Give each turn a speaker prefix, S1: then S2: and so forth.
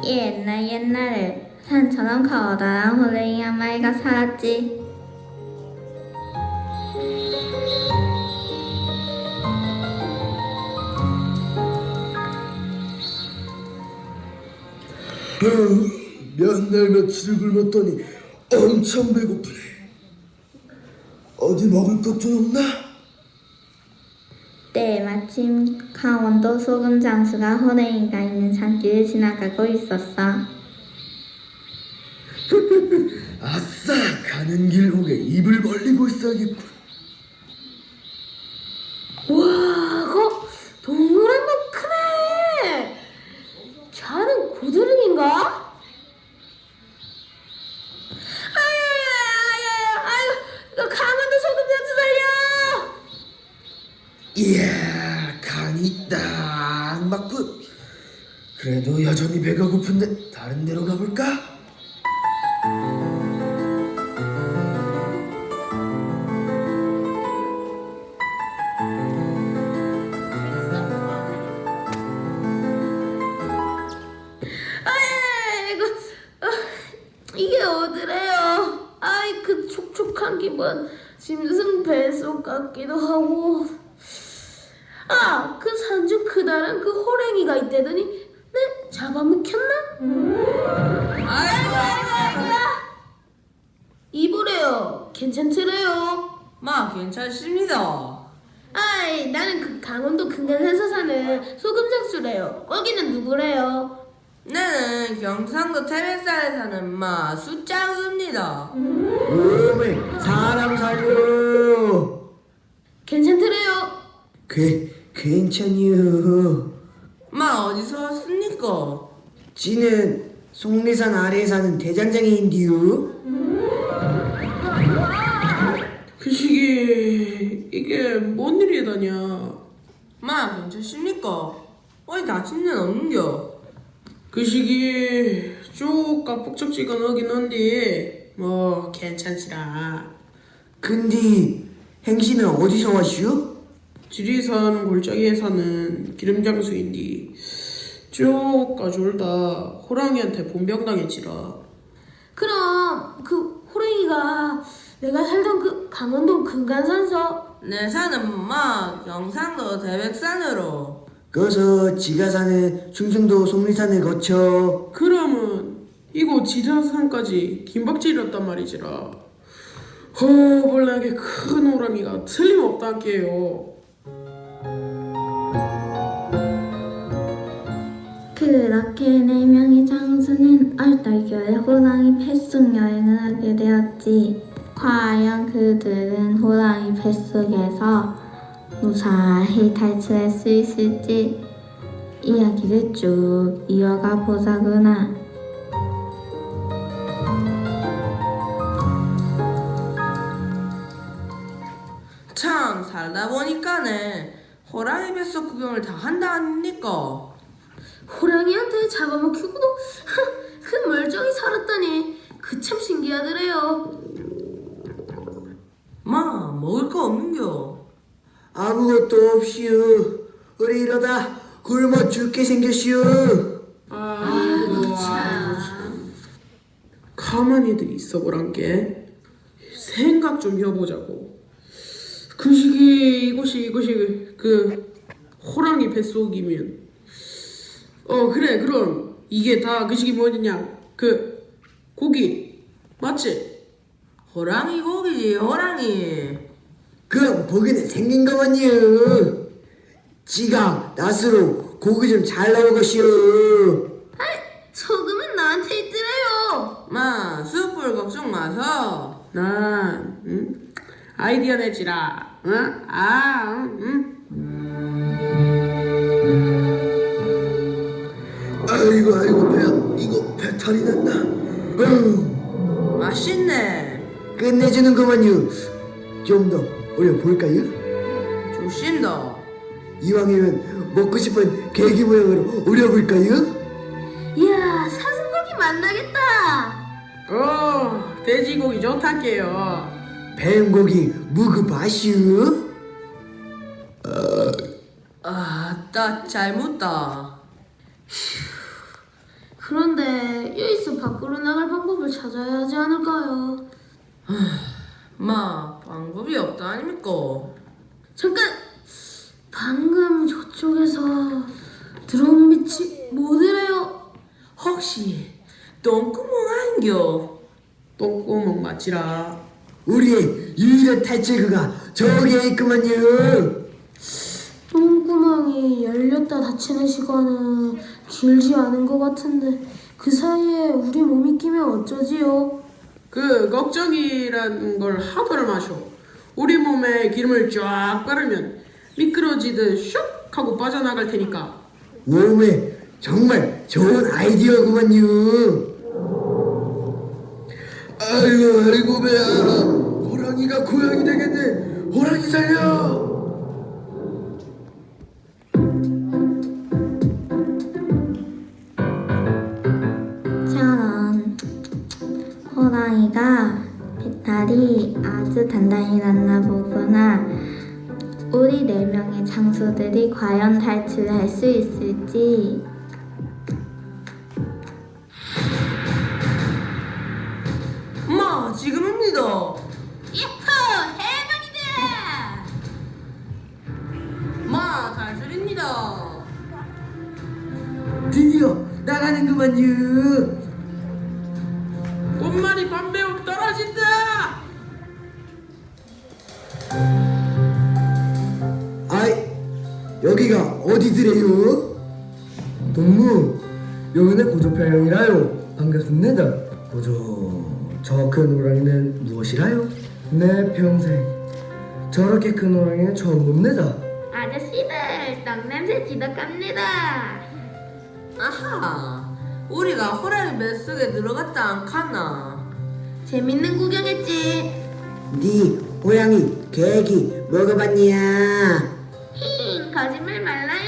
S1: 옛날 옛날에 산처럼 커다란 호랭이 한 마리가 살았지.
S2: 몇 날 며칠을 굶었더니 엄청 배고프네. 어디 먹을 것 좀 없나?
S1: 때마침 강원도 소금 장수가 호랭이가 있는 산길을 지나가고 있었어.
S2: 아싸! 가는 길목에 입을 벌리고 있어야겠군.
S3: 와, 그거 동그란 거 크네. 자는 고드름인가? 아유, 이거 강원도 소금장수 살려!
S2: 이야, 간이 딱 맞군. 그래도 여전히 배가 고픈데 다른 데로 가볼까?
S3: 아이고, 이게 어디래요? 아이, 그 촉촉한 기분, 짐승 뱃속 같기도 하고. 아, 그 산중 크다란 그 호랭이가 있대더니, 네? 잡아먹혔나? 아이고. 이보래요. 괜찮더래요.
S4: 마 괜찮습니다.
S3: 아이, 나는 그 강원도 근간에서 사는 소금장수래요. 거기는 누구래요?
S4: 나는 경상도 태백산에 사는 마 숫장수입니다.
S2: 어메, 사람 살려.
S3: 괜찮더래요.
S2: 괜찮요.
S4: 마 어디서 왔습니까?
S2: 지는 속리산 아래에 사는 대장장이인디요.
S5: 그 시기 이게 뭔 일이다냐.
S4: 마 괜찮습니까? 어디 다친 데는 없는겨?
S5: 그 시기 쭉 깍뻑적지근하긴 한데 뭐 괜찮지라.
S2: 근데 행신은 어디서 왔슈?
S5: 지리산 골짜기에 사는 기름장수인디 쭉 가졸다 호랑이한테 본병당했지라.
S3: 그럼 그 호랭이가 내가 살던 그 강원도 근간산서
S4: 내 사는 마 경상도 태백산으로.
S2: 거기서 지가 사는 충청도 속리산을 거쳐.
S5: 그러면 이곳 지리산까지 긴박질이었단 말이지라. 허벌나게 큰 호랑이가 틀림없다게요.
S1: 그렇게 네 명의 장수는 얼떨결에 호랑이 뱃속 여행을 하게 되었지. 과연 그들은 호랑이 뱃속에서 무사히 탈출할 수 있을지 이야기를 쭉 이어가 보자구나.
S4: 참 살다 보니까는 호랑이 뱃속 구경을 다 한다 아닙니까?
S3: 호랑이한테 잡아먹히고도 그 멀쩡히 살았다니 그 참 신기하더래요.
S4: 마 먹을 거 없는겨?
S2: 아무것도 없이요. 우리 이러다 굶어 죽게 생겼슈.
S5: 아이고 참. 가만히들 있어보란게. 생각 좀 해보자고. 그 시기 이곳이 그 호랑이 뱃속이면 그래 그럼 이게 다 그 시기 뭐냐 그 고기 맞지?
S4: 호랑이 고기지 호랑이.
S2: 그럼 보기는 생긴 거만요. 지가 낫으로 고기 좀 잘 나올 것이요.
S3: 소금은 나한테 있더래요.
S4: 마 숯불 걱정 마서.
S5: 난 아이디어 내지라.
S2: 아이고 배야. 이거 배탈이 났나?
S4: 맛있네.
S2: 끝내주는 거만요. 좀 더 올려볼까요?
S4: 좋신다.
S2: 이왕이면 먹고 싶은 계기 모양으로 올려볼까요?
S3: 이야, 사슴고기 만나겠다.
S5: 돼지고기 좋다게요.
S2: 뱀고기 무그바슈.
S4: 아, 나 잘 묻다.
S3: 그런데 여기서 밖으로 나갈 방법을 찾아야 하지 않을까요?
S4: 마, 방법이 없다 아닙니까?
S3: 잠깐! 방금 저쪽에서 들어온 빛이 뭐더래요?
S4: 혹시 똥구멍 아닌겨?
S5: 똥구멍 맞지라.
S2: 우리의 유일한 탈출구가 저기에 있구만요.
S3: 똥구멍이 열렸다 닫히는 시간은 길지 않은 것 같은데 그 사이에 우리 몸이 끼면 어쩌지요?
S5: 그 걱정이란 걸 하도를 마셔. 우리 몸에 기름을 쫙 바르면 미끄러지듯 슉 하고 빠져나갈 테니까.
S2: 몸에 정말 좋은 아이디어구만요. 아이고 배야. 호랑이가 고양이 되겠네. 호랑이 살려.
S1: 저런 호랑이가 배탈이 아주 단단히 났나 보구나. 우리 4명의 장소들이 과연 탈출할 수 있을지.
S4: 마, 지금입니다.
S3: 야호! 해방이다!
S4: 마, 탈출입니다.
S2: 드디어 나가는구만요.
S5: 꽃말이 밤배우 떨어진다.
S2: 아이, 여기가 어디더래요? 동무, 여기는 고조평형이라요. 반갑습니다. 고조, 저 큰 호랑이는 무엇이라요? 내 평생 저렇게 큰 호랑이는 처음 봅니다.
S1: 아저씨들 떡냄새 지독합니다.
S4: 아하, 우리가 호랑이 뱃속에 들어갔다 안 카나?
S3: 재밌는 구경했지?
S2: 네 호랑이 계기 먹어봤냐?
S1: 힝, 거짓말 말라요.